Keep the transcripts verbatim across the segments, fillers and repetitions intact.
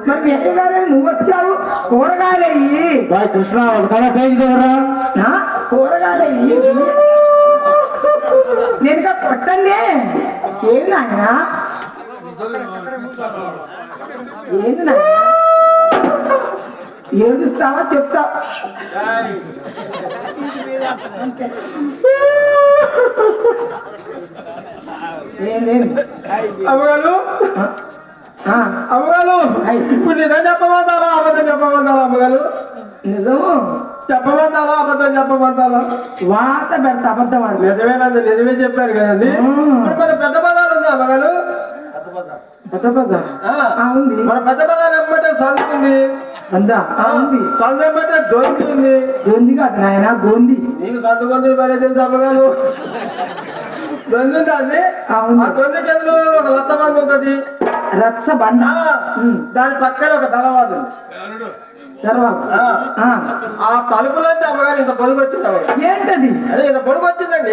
మరి మీ అక్కగారు నువ్వు వచ్చావు కూరగాయలు అయ్యి కృష్ణ ఒక తల టేక్ దగ్గర కూరగాయలు అయ్యి నేను కొట్టండి ఏంది నాయన ఏంది నాయన ఏడుస్తావా చెప్తావు ఏందేమి అమ్మగారు అమ్మగారు ఇప్పుడు నిజం చెప్పమంటారా అబద్ధం చెప్పమంటారా అమ్మగారు? నిజం చెప్పమంటారా అబద్ధం చెప్పమంటారా? వార్త పెడతా అబద్ధం ఆడు నిజమేనండి, నిజమే చెప్పారు కదండి. మన పెద్ద బజార్ ఉంది అమ్మగారు, పెద్ద బజార్ ఉంది. మన పెద్ద బజార్ ఏమంటే సంత ఉంది, అందా ఉంది. సంత ఏమంటే దొంది ఉంది. దొంది కాదు నాయన గోంది. నీకు సంత గొంతులు పడే తెలుసు అమ్మగారు. దొంది ఉంది అండి, ఆ దొంది కింద ఒక లత్త బండి ఉంటుంది, రచ్చ బండ. దాని పక్కన ఒక దళవాదు ఉంది. ఆ తలుపులో అమ్మగారు ఇంత పొడుగు వచ్చింది అమ్మగారు. ఏంటది? అదే ఇంత పొడుగు వచ్చిందండి.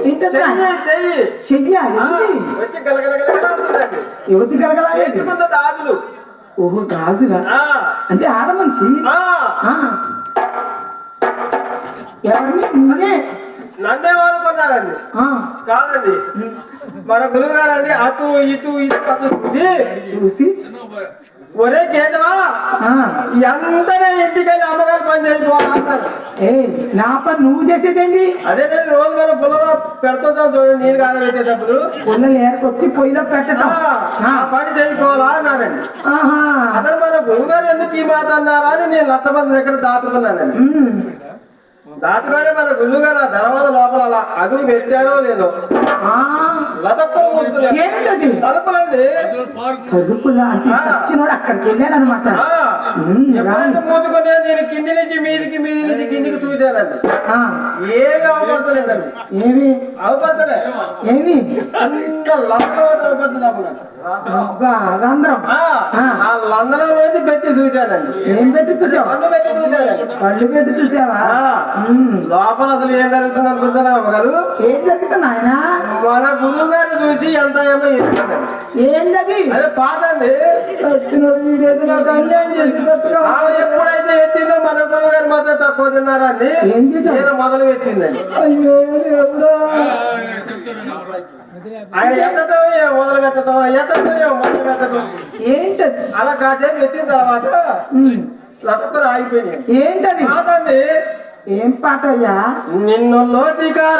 వచ్చి గలగలగలగలుందండి. యువతి గలగలాగే గాజులు. ఓహో గాజులా? అంటే ఆడ మనిషి. ఎవరిని? నిన్నే. నన్నేమనుకున్నారండి? కాదండి, మన గురువు గారండి అటు ఇటు ఇటు అటు చూసి ఒరే కేజవా ఎంతనే ఇంటికెళ్ళి అమ్మగారు పని చేయిపోవాలన్నారు. ఏ నా పని నువ్వు చేసేదేంటి? అదే నేను రోజు మనం పుల్లగా పెడుతుంటాం చూడండి, నీరు కాడ పెట్టేటప్పుడు పుల్లలు ఏర్కొచ్చి పొయ్యిలో పెట్టడం ఆ పని చేయిపోవాలా అన్నారండి. అతను మన గురువు గారు ఎందుకు ఈ మాట అన్నారా అని నేను లత్తమంది దగ్గర దాచుకున్నానండి. దాటుగానే మన గురువు గారు ఆ దర్వాజ లోపల అలా అదుగు పెట్టారో లేదో ఏంటది? తలుపులండి. తలుపులా అంటే సచ్చినోడు అక్కడికి వెళ్ళాడు అనమాట. ఎప్పుడైతే మూతుకొని నేను కింది నుంచి మీదికి మీది నుంచి కిందికి చూశానండి, ఏమి అవపడతలేదండి. ఏమి అవపడతలే? ఏమి లందరం ఆ లందరంలోంచి పెట్టి చూశానండి. ఏం పెట్టి చూసావా? కళ్ళు పెట్టి చూశానండి. కళ్ళు పెట్టి చూసావా? లోపల అసలు ఏం జరుగుతుంది అనుకుంటున్నా అమ్మగారు? ఏం జరుగుతుంది ఆయన? మన గురువు గారిని చూసి ఎంత ఏమో ఏంటది? అదే పాతండి. ఆమె ఎప్పుడైతే ఎత్తిందో మన గురువు గారు మాత్రం తక్కువ తిన్నారండి. ఏం చేశారు? నేను మొదలు పెట్టిందండి. ఆయన ఎత్తతో మొదలు పెట్టడం, ఎత్తతో మొదలు పెట్టడం ఏంటది? అలా కాసేపు ఎత్తిన తర్వాత లతకులు ఆగిపోయినాయి. ఏంటది? పాతండి. ఏం పాట అయ్యా? నిన్ను లోతికార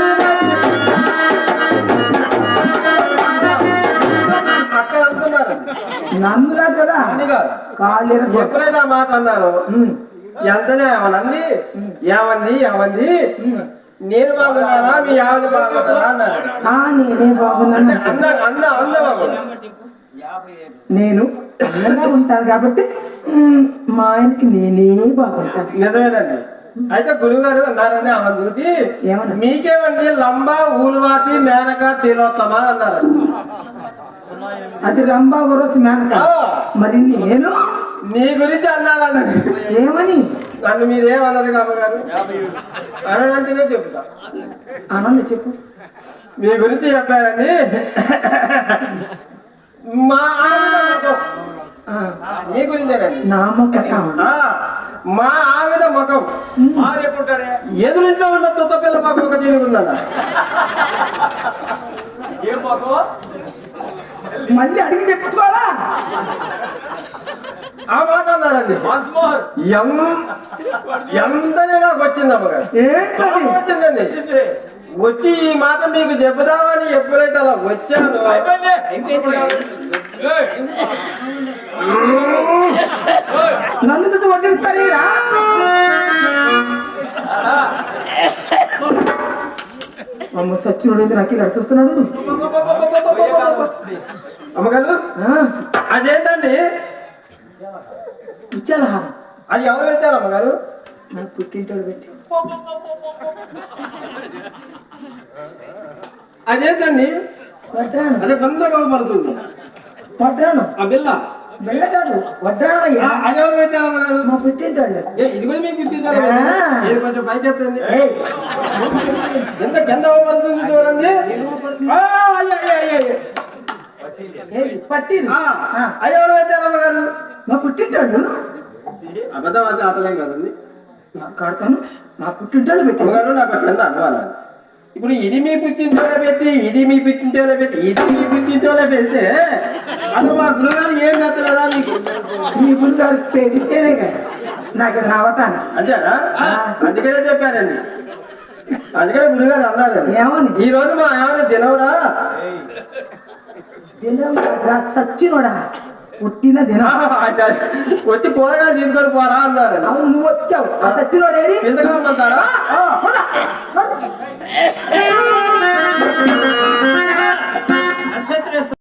అక్కడ అంటున్నారు. నన్ను కాదు కదా, ఎప్పుడైతే ఆ మాట అన్నారు ఎంతనే ఏమనంది, ఏమంది ఏమంది నేను బాగున్నానా మీ ఆవిడ బాగున్నానా అన్నారు. నేనే బాగున్నాను. అన్న అన్న అన్న నేను అందంగా ఉంటాను కాబట్టి మా ఆయనకి నేనే బాగుంటాను. నిజమేనండి. అయితే గురువు గారు అన్నారని ఆమె చూసి మీకేమండి లంబా ఊలువాతి మేనక తిలోత్తమా అన్నారు. అది రంభా వరసి మేనక. మరి నేను నీ గురించి అన్నారని. ఏమని? నన్ను మీరేమన్నారు అమ్మగారు? అనంటేనే చెప్తా. అనండి చెప్పు. మీ గురించి చెప్పారండి. మా ఆవిడ ముఖం నీ గురించేనండి. నా ముఖం? మా ఆవిడ ముఖం ఎదురింట్లో ఉన్న తుత్త పిల్ల మాకు ఒక తిరుగుందన్న. మళ్ళీ అడిగి చెప్పుకోవాలా? ఆ మాట అన్నారండి. ఎంతనే నాకు వచ్చింది అమ్మగారు. వచ్చిందండి. వచ్చి ఈ మాట మీకు చెబుదామని ఎప్పుడైతే అలా వచ్చాను నన్ను చూసి వడ్డిస్తారు. అమ్మ సచ్చినోడు నాకు ఇలా చూస్తున్నాడు. అమ్మగారు అదేంటండి? ఇచ్చాడా? అది ఎవరు పెట్టారు అమ్మగారు? నాకు పుట్టింటోడు పెట్టి. అదేంటండి? వడ్రాను. అదే బందగా పడుతుంది. వడ్రాను ఆ బిల్ల బిల్లగాడు వడ్రాను. అది ఎవరు పెట్టారు అమ్మగారు? మా పుట్టింటోడు. ఇది కూడా మీకు పుట్టింటారు. ఇది కొంచెం పైకి ఎత్తండి. ఎంత కింద పడుతుంది చూడండి. ఏది పట్టింది ఆ, అయ్యి ఎవరు పెట్టారు అమ్మగారు? మా పుట్టింటాడు అబద్ధం అయితే అతలేం కదండి కడతాను మా పుట్టింటాడు పెట్టి అమ్మగారు నాకు కింద అనుమానం. ఇప్పుడు ఇది మీ పుట్టింటోనే పెట్టి ఇది మీ పుట్టింటోనే పెట్టి ఇది మీ పుట్టింటోనే పెడితే అసలు మా గురుగారు ఏం పెట్టలేదా నీకు? మీ గురుగారికి పెడితేనే కదా నాకు నవ్వటాను అంతేనా? అందుకనే చెప్పానండి, అందుకనే గురుగారు అన్నారు ఏమని ఈ రోజు మా ఏమైనా దినవరా దినం సచ్చినోడా పుట్టిన దినం వచ్చి కూరగాయలు తీసుకొని పోరా అన్నారు. అవును నువ్వు వచ్చావు ఆ సచ్చినోడేడి ఇంతగా ఉందంటారా?